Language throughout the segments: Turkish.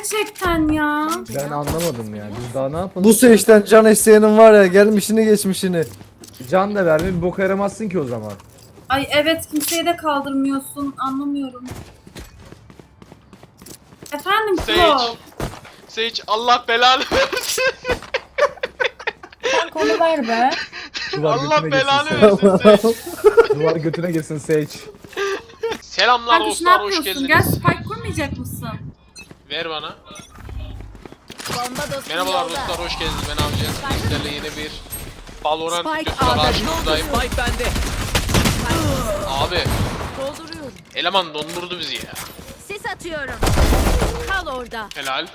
gerçekten ya. Ben anlamadım ya. Biz daha ne yapalım? Bu seçten can isteyenin var ya, gelmişini geçmişini. Can da verme, bir boka yaramazsın ki o zaman. Ay evet, kimseyi de kaldırmıyorsun. Anlamıyorum. Efendim Klo. Sage Allah belanı versin. Sen konu ver be. Duvar Allah götüne belanı girsin versin Sage. Sage. Duvar götüne girsin Sage. Selamlar Kankuş ne dostlar, hoş yapıyorsun? geldiniz. Gel spike kurmayacak mısın? Ver bana. Bomba dostum Merhabalar yolda. dostlar, hoş geldiniz. Ben Avcı. Sizlerle yeni bir Valorant Spike videosuyla A'da karşınızdayım. Spike bende. Abi, Dolduruyorum. eleman dondurdu bizi ya. Sis atıyorum. Kal orada. Helal.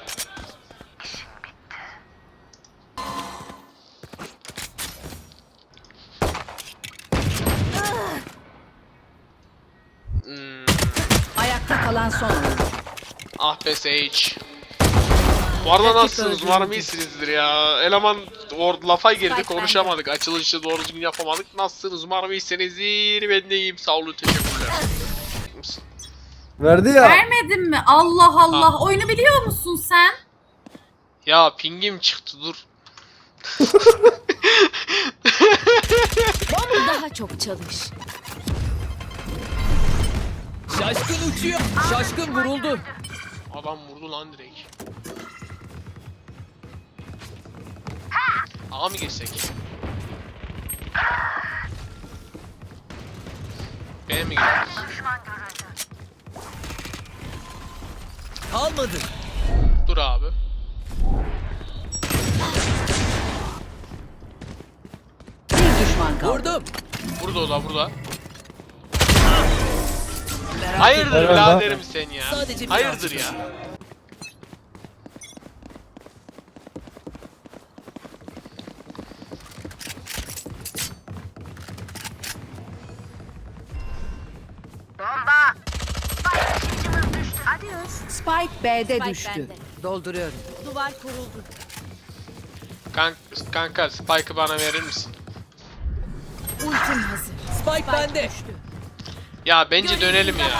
Ayakta kalan son oyuncu. Ah be Sage. Bu arada nasılsınız? Umarım iyisinizdir ya. Eleman lafa girdi, Spike konuşamadık. Açılışı doğru düzgün yapamadık. Nasılsınız? Umarım iyisinizdir. Ben de iyiyim. Sağ olun, teşekkürler. Verdi ya. Vermedin mi? Allah Allah. Oyunu biliyor musun sen? Ya pingim çıktı, dur. Daha çok çalış. Şaşkın uçuyor. Şaşkın vuruldu. Adam vurdu lan direkt. Ağa mı girsek? B'ye mi gidiyoruz? Kalmadı. Dur abi. Bir düşman kaldı. Vurdum. Burada o da burada. Hayırdır Evet, biraderim sen ya? Sadece bir Hayırdır yansıma. ya? Spike B'de düştü. Dolduruyorum. Duvar kuruldu. Kanka Spike'ı bana verir misin? Ultim hazır. Spike bende. Ya bence dönelim ya.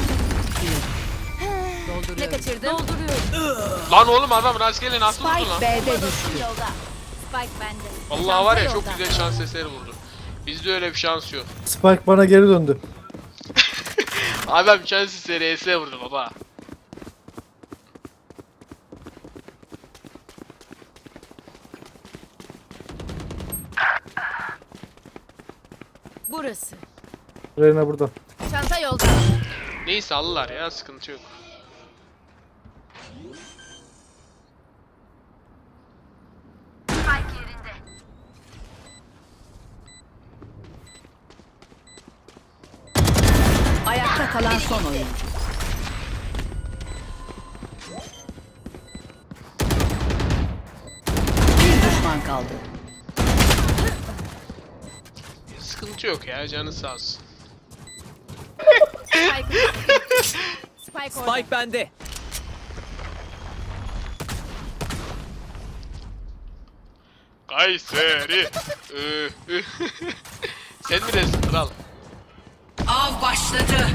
Ne kaçırdım? Dolduruyorum. Lan oğlum adam rastgele nasıl vurdu Spike lan? B'de düştü. Yolda. Spike bende. Vallahi var ya, çok güzel şans eseri vurdu. Bizde öyle bir şans yok. Spike bana geri döndü. Adam şans eseri ES vurdu baba. Burası. Reyna burada. Çanta yolda. Neyse alırlar ya, sıkıntı yok. Ayakta kalan son oyuncu. Bir düşman kaldı. Sıkıntı yok ya, canı sağ olsun. Spike bende. Kayseri. Sen mi resim kral? Av başladı.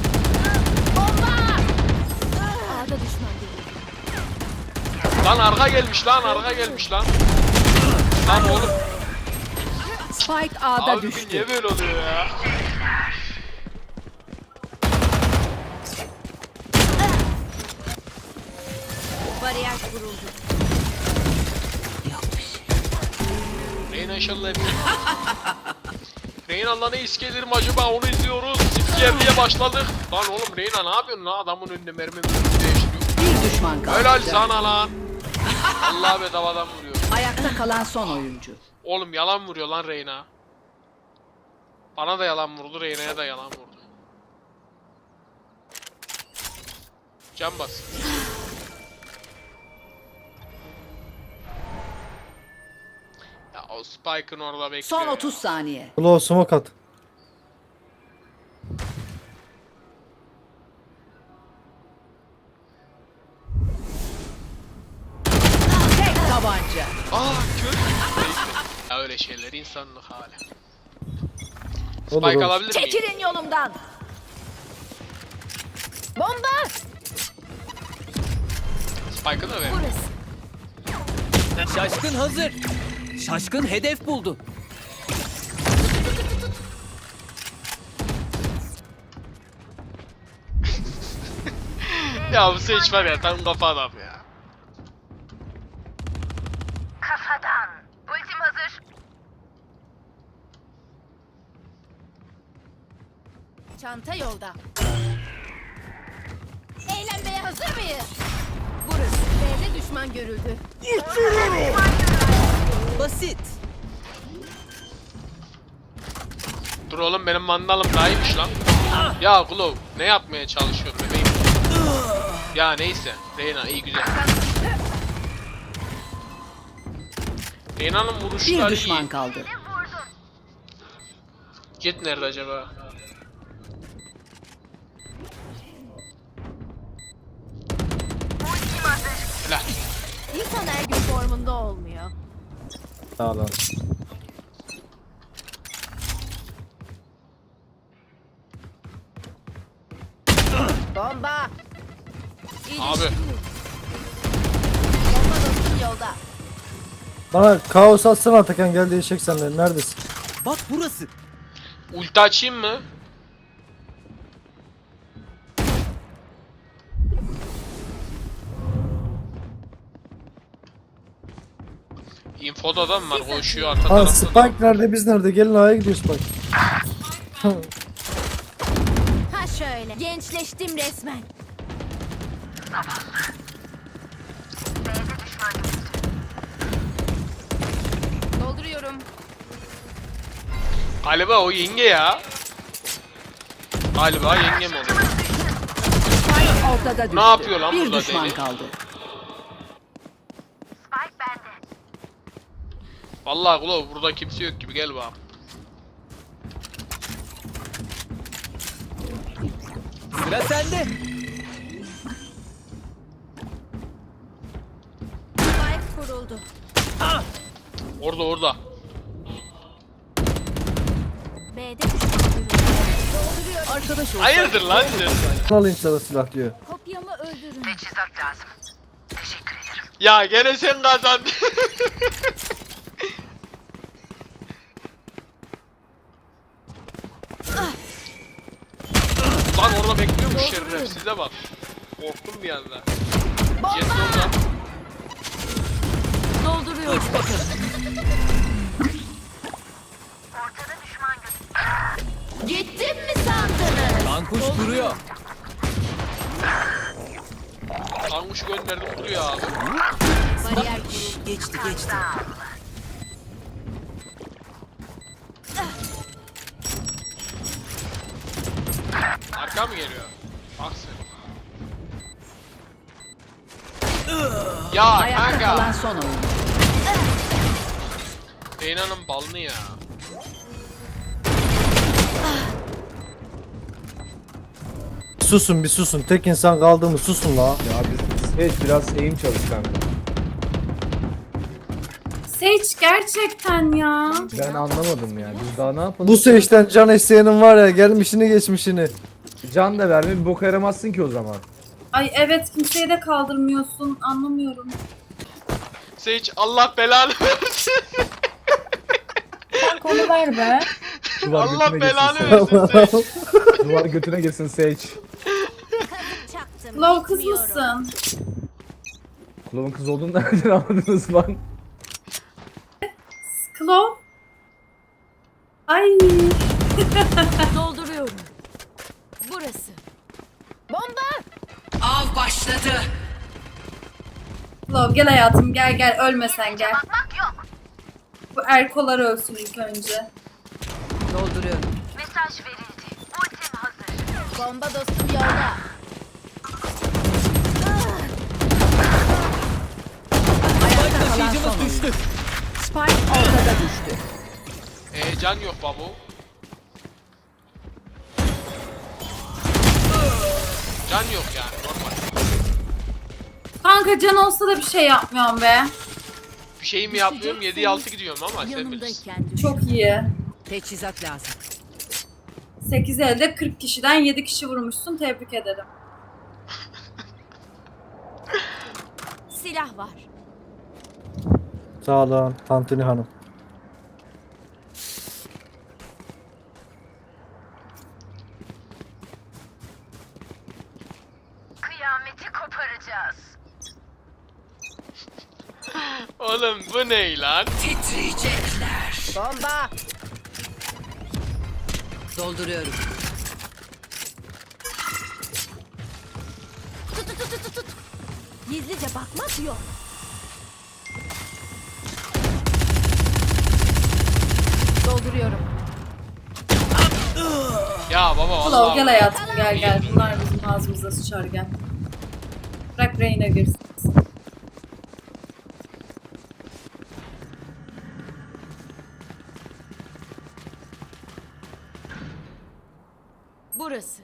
A'da düşman değil. Lan arka gelmiş lan, arka gelmiş lan. Lan oğlum. Spike A'da Abi düştü. niye böyle oluyor ya? Bariyer kuruldu. Reyna inşallah hep. Reyna ne iskelerim acaba, onu izliyoruz. Zipkiyerliğe başladık. Lan oğlum Reyna ne yapıyorsun lan, adamın önünde mermi değiştiriyor. Bir düşman kaldı. Helal sana lan. Allah bedavadan vuruyor. Ayakta kalan son oyuncu. Oğlum yalan vuruyor lan Reyna. Bana da yalan vurdu, Reyna'ya da yalan vurdu. Can bas. Ya o Spike'ın orada bekliyor. Son ya. 30 saniye. Ulan smoke at. Tek tabanca. Kör. Ya öyle şeyler insanlık hali. Olur, Spike olur. alabilir miyim? Çekilin yolumdan. Bomba. Spike'ı da ver. Şaşkın hazır. Şaşkın hedef buldu. Ya bu Sage var ya tam kafa adam ya. Kafadan. Ultim hazır. Çanta yolda. Eğlenmeye hazır mıyız? Burası. B'de düşman görüldü. Basit. Dur oğlum benim mandalım daha iyiymiş lan. Ya Glove ne yapmaya çalışıyorsun bebeğim? Ya neyse. Reyna iyi güzel. Reyna'nın Bir vuruşları düşman iyi. kaldı. Jet nerede acaba? Helal. İnsan her gün formunda olmuyor. Sağ olun. Bomba. Abi. Bomba dostum yolda. Bana kaos atsana Atakan, gel değişecek senden. Neredesin? Bak burası. Ulti açayım mı? Infoda adam var koşuyor arka Ha, tarafta. Spike nerede, biz nerede? Gelin A'ya gidiyor Spike. Ha şöyle. Gençleştim resmen. Dolduruyorum. Galiba o yenge ya. Galiba yengem oluyor. Ortada düştü. Ne yapıyor lan Bir burada düşman deli? kaldı. Spike bende. Vallahi Glove burada kimse yok gibi gel bak. Sıra sende. Spike kuruldu. Orada. B'de düşman görüldü. Dolduruyorum. Arkadaş ol. Hayırdır lan sen? Alayım sana silah diyor. Kopyamı öldürün. Teçhizat lazım. Teşekkür ederim. Ya gene sen kazandın. Lan orada bekliyormuş şerif size bak. Korktum bir anda. Jet orada. Dolduruyorum. Uç bakalım. Ortada düşman gözü. Gittim mi sandınız? Kankuş duruyor. Tanguş gönderdim duruyor abi. Bariyer kuruldu. Geçti. Arka mı geliyor? Bak sen. Ya Ayakta kalan kanka. son oyun. Reyna'nın balını ya. Susun bir susun. Tek insan kaldı mı? Susun la. Ya biz Sage biraz eğim çalış kanka. Sage gerçekten ya. Ben anlamadım ya. Biz daha ne yapalım? Bu Sage'den can isteyenin var ya, gelmişini geçmişini. Can da verme bir boka yaramazsın ki o zaman. Ay evet kimseye de kaldırmıyorsun. Anlamıyorum. Sage Allah belanı versin. Sen konu ver be. Duvar Allah götüne belanı girsin versin Sage. Sage. Duvar götüne girsin Sage. Çaktım. Love kız gitmiyorum. mısın? Kulağın kız olduğunu nereden anladınız lan? Klov? Ay. Dolduruyorum. Burası. Bomba. Av başladı. Klov gel hayatım gel ölmesen gel. Bakmak yok. Bu erkolar ölsün ilk önce. Dolduruyorum. Mesaj verildi. Ultim hazır. Bomba dostum yolda. Spike kalan taşıyıcımız son oyun. düştü. Spike ortada düştü. Can yok babu. Can yok yani normal. Kanka can olsa da bir şey yapmıyorum be. Bir şey mi yapmıyorum 7'ye 6 gidiyorum ama sen bilirsin. Yanımdayken düş. Çok iyi. Teçhizat lazım. 8 elde 40 kişiden 7 kişi vurmuşsun. Tebrik ederim. Silah var. Sağ olun Tantuni Hanım. Kıyameti koparacağız. Oğlum bu ne lan? Bomba. Dolduruyorum. Tut. Gizlice bakmak yok. Dolduruyorum. Ya baba Claw vallahi. gel hayatım gel. Bunlar bizim ağzımıza sıçar gel. Bırak Reyna girsin. Burası.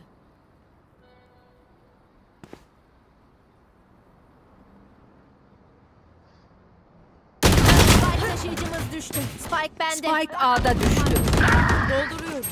Spike taşıyıcımız düştü. Spike bende. Spike A'da düştü. Dolduruyorum.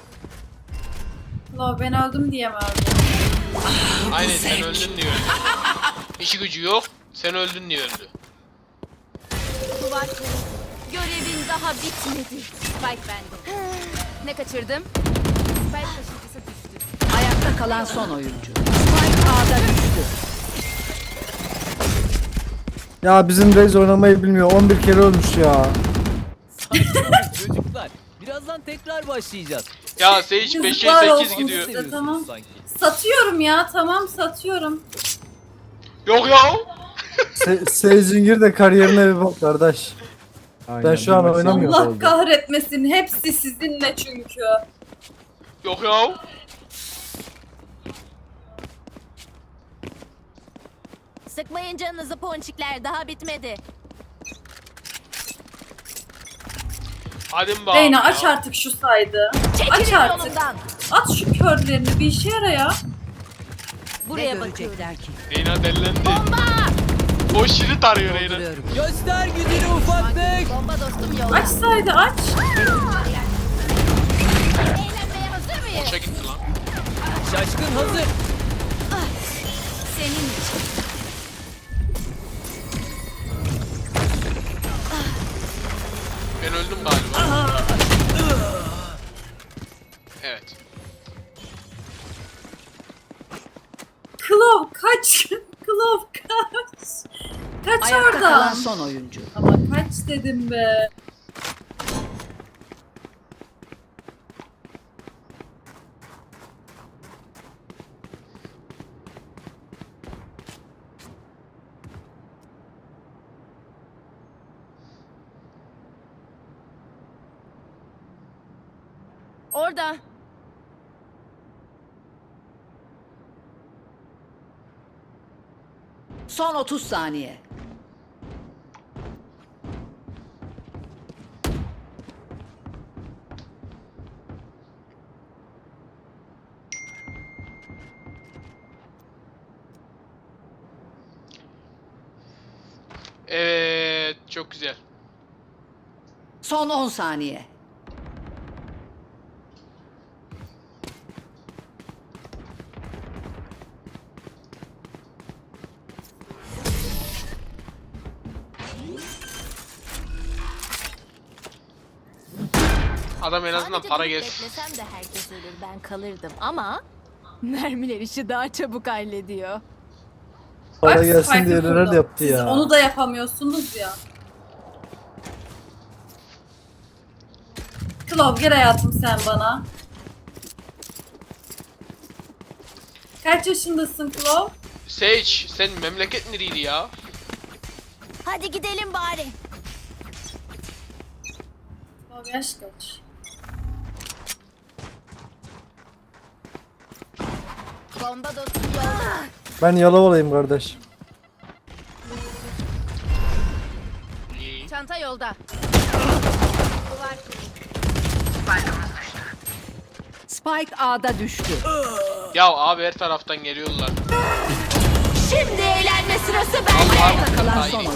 Claw ben öldüm diyemem. Aynen sen öldün diyor. İşi gücü yok. Sen öldün diye öldü. Duvar kuruldu. Görevin daha bitmedi. Spike bende. Ne kaçırdım? Spike taşıyıcısı düştü. Ayakta kalan son oyuncu. Spike A'da düştü. Ya bizim Reis oynamayı bilmiyor. 11 kere ölmüş ya. Sakin olun çocuklar. Birazdan tekrar başlayacağız. Ya Sage 5'e Yazıklar 8 olsun gidiyor. size. Seviyorsunuz Tamam. sanki. Satıyorum ya tamam satıyorum. Yok ya. Seyzingir de kariyerine bir bak kardeş. Aynen, Ben şu an bir maç oynamıyorum. yanlış Allah oldu. kahretmesin hepsi sizinle çünkü. Yok ya. Sıkmayın canınızı ponçikler, daha bitmedi. Hadi mi Reyna bakalım aç ya. artık şu saydı. Aç Çekilin artık. yolumdan. At şu körlerini bir işe yara ya. Ne Buraya bakıyorum. görecekler ki? Reyna delilendi. O şirit arıyor Reyna. Dolduruyorum. Göster gücünü ufaklık. Bomba dostum yolda. Aç saydı aç. Eğlenmeye hazır mıyız? Boşa gitti lan. Şaşkın hazır. Senin için. Ben öldüm galiba. Evet. Claw kaç. Claw kaç. Kaç Ayakta kalan oradan. son oyuncu. Ama kaç dedim be. Orada. Son 30 saniye. Evet. Çok güzel. Son 10 saniye. Adam en azından Sadece para durup gelsin. beklesem de herkes ölür, ben kalırdım ama mermiler işi daha çabuk hallediyor. Para Bak, gelsin Spike'ı diye neler kurdum. yaptı Siz ya. onu da yapamıyorsunuz ya. Claw gel hayatım sen bana. Kaç yaşındasın Claw? Sage sen memleket nereydi ya? Hadi gidelim bari. Claw yaş kaç? Bomba dostum yolda. Ben Yalovalı'yım kardeş. İyi. Çanta yolda. Duvar kuruldu. Spike A'da düştü. Ya abi her taraftan geliyorlar. Şimdi eğlenme sırası bende. Ayakta kalan Hayır. son oyuncu.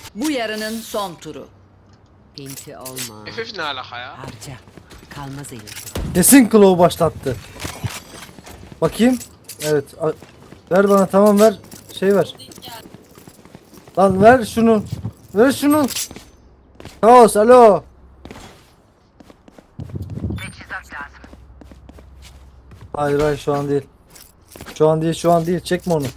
Bu yarının son turu. Pinti olma. FF ne alaka ya? Harca. Kalmaz elinde. Kesin Claw başlattı. Bakayım. Evet. Ver bana, tamam ver. Şey ver. Lan ver şunu. Ver şunu. Kaos alo. Teçhizat lazım. Hayır hayır şu an değil. Şu an değil. Çekme onu.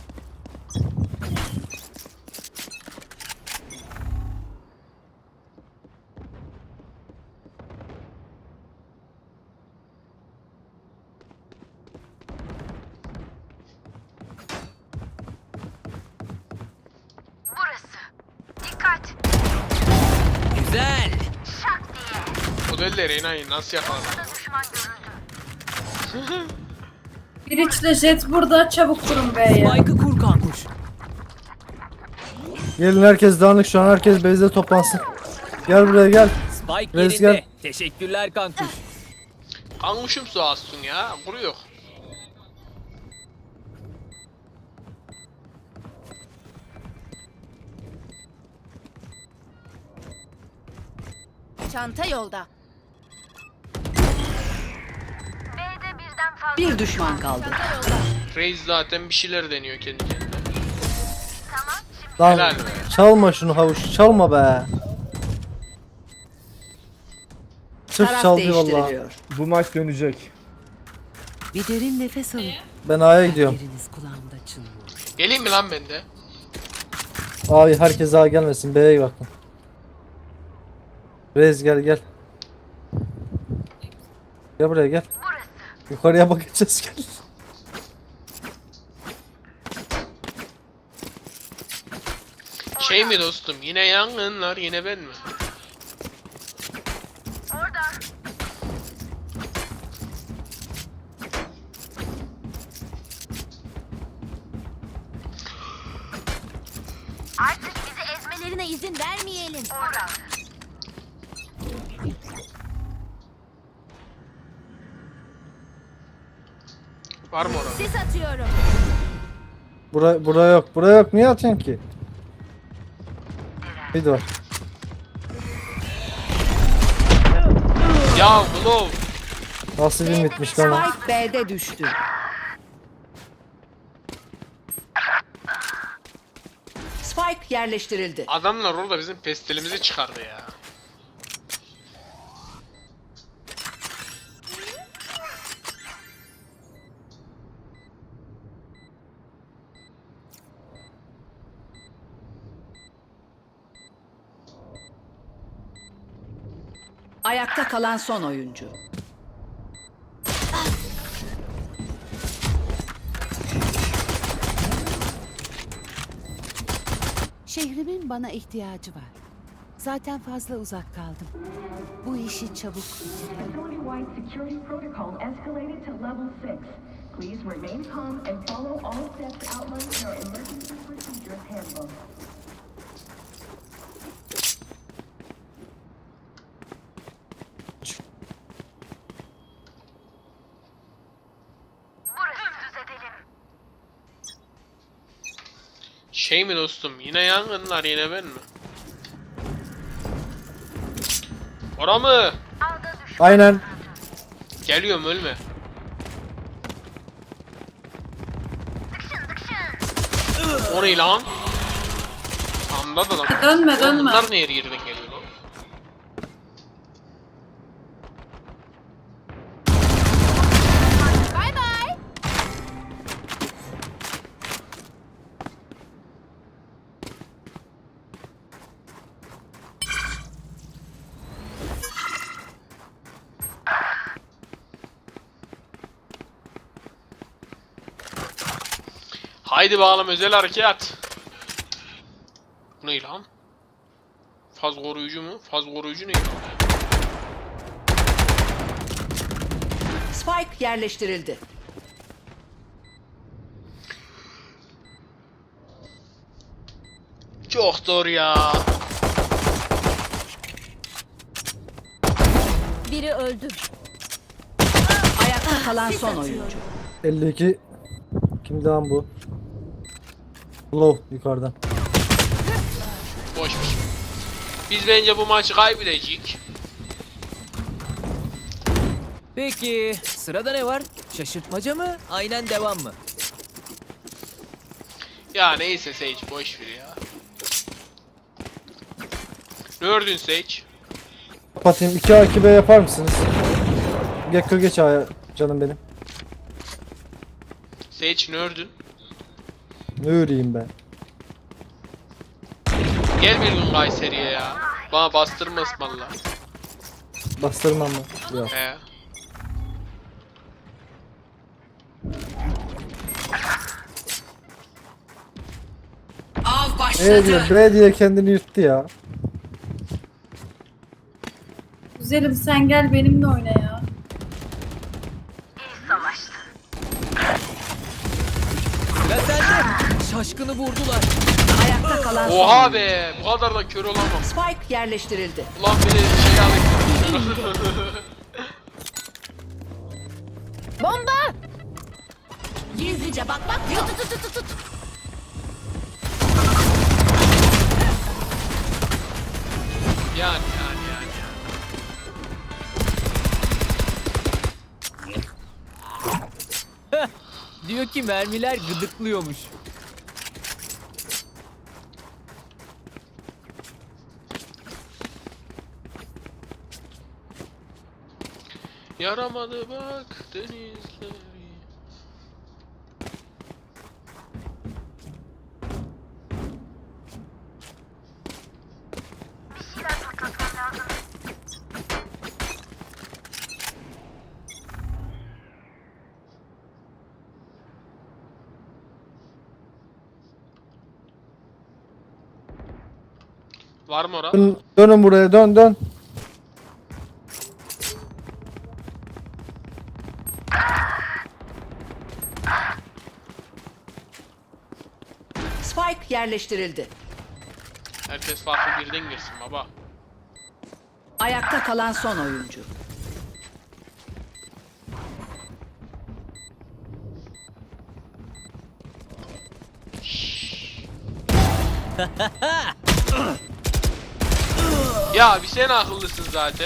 Burası. Dikkat. Güzel. Şak diye. O da elle Reyna'yı nasıl yakaladın? Düşman görüldü. Bridge'le Jet burada. Çabuk durun B'ye. Spike'ı kur kankuş. Gelin herkes dağınık şu an. Herkes base'de toplansın. Gel buraya gel. Spike Reis yerinde. gel. Teşekkürler kankuş. Kanmışım su astın ya. Kuruyor. Çanta yolda. B'de birden fazla. Bir düşman kaldı. Çanta yolda. Reis zaten bir şeyler deniyor kendi kendine. Tamam. Şimdi Lan Helal be. çalma şunu havuç. Çalma be. Sırf Taraf çaldı vallahi. değiştiriliyor. Bu maç dönecek. Bir derin nefes alın. Ben A'ya gidiyorum. Yeriniz kulağımda çınlıyor. Geleyim mi lan ben de? Ay herkes A gelmesin. B'ye bakın. Rez gel gel. Gel buraya gel. Yukarıya bakacağız gel. Şey mi dostum? Yine yangınlar, yine ben mi? orada. Artık bizi Ezmelerine izin vermeyelim. orada. Var mı orada? Sis atıyorum. Buraya yok. Buraya yok. Niye atıyorsun ki? Bir var. Ya Glove! Nasıl bir bitmiş lan o? Spike B'de düştü. Spike yerleştirildi. Adamlar orada bizim pestilimizi çıkardı ya. Ayakta kalan son oyuncu. Şehrimin bana ihtiyacı var. Zaten fazla uzak kaldım. Bu işi çabuk bitirelim. Facility-wide security protocol escalated to level 6. Please remain calm and follow all steps outlined in our emergency procedures handbook. Burası düz edelim. Şey mi dostum? Yine yangınlar, yine ben mi? Ora mı? Alda düşman. Aynen. Geliyorum, ölme. O ne lan? Anda da lan. Dönme, Oğlum dönme. Bunlar ne yerden geliyor lan? Bay bay. Haydi bakalım özel harekat. Bu ne lan? Faz koruyucu mu? Faz koruyucu ne? Spike yerleştirildi. Çok zor ya. Biri öldü. Ayakta kalan son oyuncu. 52. Kimdi lan bu? Low yukarıdan. Boş. geçmiş. Biz bence bu maçı kaybedecek. Peki sırada ne var? Şaşırtmaca mı? Aynen devam mı? Ya neyse Sage boş ver ya. Ne ördün Sage? Kapatayım. 2A 2B yapar mısınız? Gekko geç A'ya canım benim. Sage ne ördün? Ne öreyim ben? Gel bir gün Kayseri'ye ya. Bana bastırma ısmarla. Bastırmam mı? Yok. He. Av E başladı. diyor, B diye kendini yırttı ya. Güzelim sen gel benimle oyna ya. Sıra sende. Şaşkını vurdular. Ayakta kalan son Oha oyuncu. be! Bu kadar da kör olamam. Spike yerleştirildi. Ulan beni şey alayım. Bomba! Gizlice bak bak. Tut. Yani. Diyor ki mermiler gıdıklıyormuş. Yaramadı bak denizleri. Var mı ora? Dönün buraya, dön. Spike yerleştirildi. Herkes farklı birden girsin baba. Ayakta kalan son oyuncu. Ya bir sen akıllısın zaten.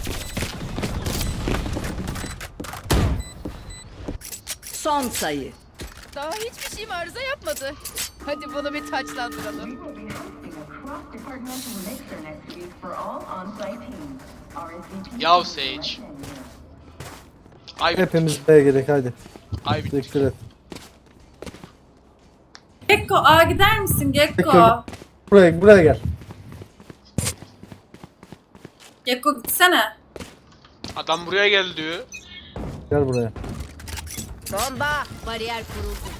Son sayı. Daha hiçbir şeyim arıza yapmadı. Hadi bunu bir taçlandıralım. We will be hosting a cross-departmental mixer next week for all on-site teams. RSVP Yav is Sage. right menu. Ay Hepimiz B'ye gerek hadi. ay Dikkat et. Gekko A gider misin Gekko? Gekko. Buraya gel. Gekko gitsene. Adam buraya geldi diyor. Gel buraya. Bomba! Bariyer kuruldu.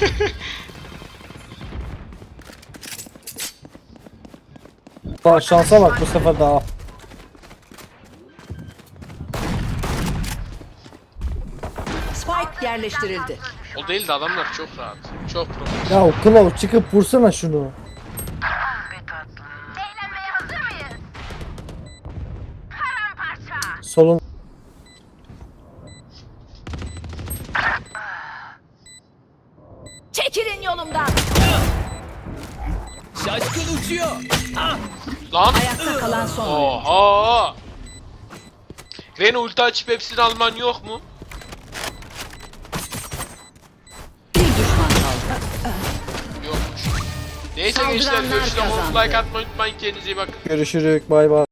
Bak şansa bak bu sefer daha. Spike yerleştirildi. O değil de adamlar çok rahat. Çok profesyonel. Ya Klav çıkıp vursana şunu. Eğlenmeye hazır mıyız? Paramparça. Solun. Çekilin yolumdan. Şaşkın uçuyor. Lan! Ayakta kalan son oyuncu. Oha! Rene ulti açıp hepsini alman yok mu? Bir düşman kaldı. Yokmuş. Neyse gençler Saldıranlar görüşürüz. kazandı. Like atmayı unutmayın. Kendinize iyi bakın. Görüşürük. Bay bay.